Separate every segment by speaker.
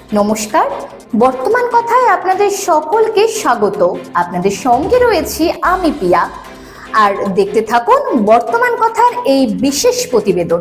Speaker 1: নমস্কার, বর্তমান কথায় আপনাদের সকলকে স্বাগত। আপনাদের সঙ্গে রয়েছি আমি পিয়া, আর দেখতে থাকুন বর্তমান কথার এই বিশেষ প্রতিবেদন।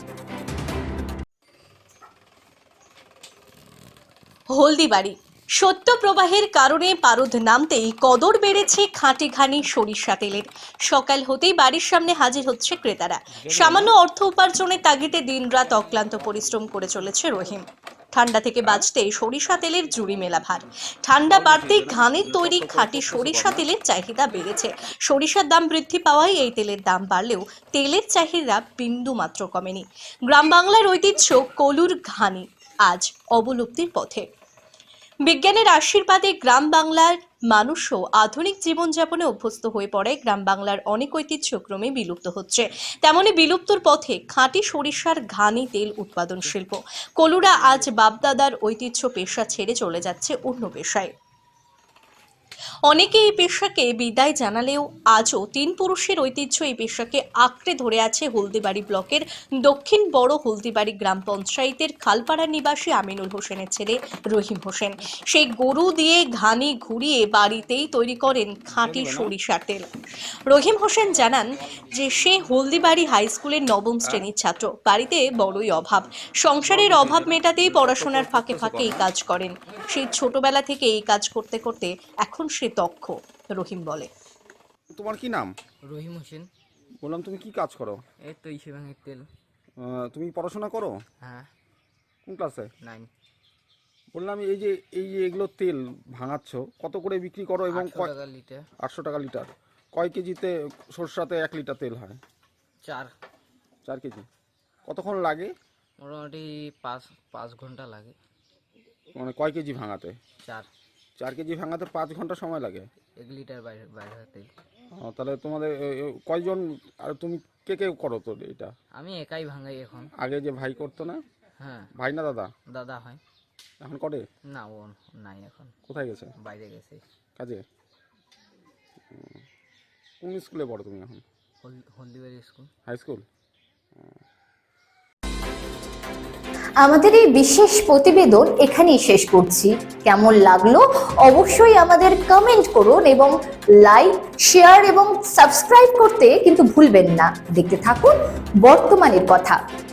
Speaker 2: হলদিবাড়ি সত্য প্রবাহের কারণে পারদ নামতেই কদর বেড়েছে খাঁটি ঘানি সরিষা তেলের। সকাল হতেই বাড়ির সামনে হাজির হচ্ছে ক্রেতারা। সামান্য অর্থ উপার্জনের তাগিদে দিনরাত অক্লান্ত পরিশ্রম করে চলেছে রহিম। ঠান্ডা থেকে বাঁচতে সরিষা তেলের জুড়ি মেলা ভার। ঠান্ডা বাড়তেই ঘানির তৈরি খাঁটি সরিষা তেলের চাহিদা বেড়েছে। সরিষার দাম বৃদ্ধি পাওয়ায় এই তেলের দাম বাড়লেও তেলের চাহিদা বিন্দু মাত্র কমেনি। গ্রাম বাংলার ঐতিহ্য কলুর ঘানি আজ অবলুপ্তির পথে। বিজ্ঞানের আশীর্বাদে গ্রাম বাংলার মানুষও আধুনিক জীবনযাপনে অভ্যস্ত হয়ে পড়ে। গ্রাম বাংলার অনেক ঐতিহ্য ক্রমে বিলুপ্ত হচ্ছে, তেমনি বিলুপ্তর পথে খাঁটি সরিষার ঘানি তেল উৎপাদন শিল্প। কলুরা আজ বাপদাদার ঐতিহ্য পেশা ছেড়ে চলে যাচ্ছে অন্য পেশায়। অনেকে এই পেশাকে বিদায় জানালেও আজও তিন পুরুষের ঐতিহ্য এই পেশাকে আঁকড়ে ধরে আছে হলদিবাড়ি ব্লকের দক্ষিণ বড় হলদিবাড়ি গ্রাম পঞ্চায়েতের খালপাড়া নিবাসী আমিনুল হোসেনের ছেলে রহিম হোসেন। সেই গরু দিয়ে ঘানি ঘুরিয়ে বাড়িতেই তৈরি করেন খাঁটি সরিষার তেল। রহিম হোসেন জানান যে সে হলদিবাড়ি হাই স্কুলের নবম শ্রেণীর ছাত্র। বাড়িতে বড়ই অভাব, সংসারের অভাব মেটাতেই পড়াশোনার ফাঁকে ফাঁকে এই কাজ করেন। সেই ছোটবেলা থেকে এই কাজ করতে করতে এখন সে দক্ষ। রহিম বলে,
Speaker 3: তোমার কি নাম?
Speaker 4: রহিম হোসেন।
Speaker 3: বললাম তুমি কি কাজ করো?
Speaker 4: এই তো ইসে ভাঙের তেল।
Speaker 3: তুমি পড়াশোনা করো?
Speaker 4: হ্যাঁ।
Speaker 3: কোন ক্লাসে?
Speaker 4: 9।
Speaker 3: বললাম এই যে এগুলো তেল ভাঙাচ্ছ, কত করে বিক্রি করো এবং
Speaker 4: 800 টাকা লিটার।
Speaker 3: 800 টাকা লিটার। কয় কেজিতে সরষাতে 1 লিটার তেল হয়?
Speaker 4: 4
Speaker 3: কেজি। কতক্ষণ লাগে?
Speaker 4: মোটামুটি 5 ঘন্টা লাগে।
Speaker 3: মানে কয় কেজি ভাঙাতে?
Speaker 4: 4
Speaker 3: কেজি ভাঙাতে 5 ঘন্টা সময় লাগে।
Speaker 4: 1 লিটার বাইরে হয় তেল।
Speaker 3: তাহলে তোমাদের কয়জন, আর তুমি কে কে করো তো এটা?
Speaker 4: আমি একাই ভাঙাই এখন।
Speaker 3: আগে যে ভাই করতো না?
Speaker 4: হ্যাঁ।
Speaker 3: ভাই না দাদা?
Speaker 4: দাদা হয়।
Speaker 3: এখন করে?
Speaker 4: না, ও নাই এখন।
Speaker 3: কোথায় গেছে?
Speaker 4: বাইরে গেছে
Speaker 3: কাজে। কোন স্কুলে পড়ো তুমি এখন?
Speaker 4: Haldibari school,
Speaker 3: high school.
Speaker 1: আমাদের এই বিশেষ প্রতিবেদন এখানেই শেষ করছি। কেমন লাগলো অবশ্যই আমাদের কমেন্ট করুন এবং লাইক, শেয়ার এবং সাবস্ক্রাইব করতে কিন্তু ভুলবেন না। দেখতে থাকুন বর্তমানের কথা।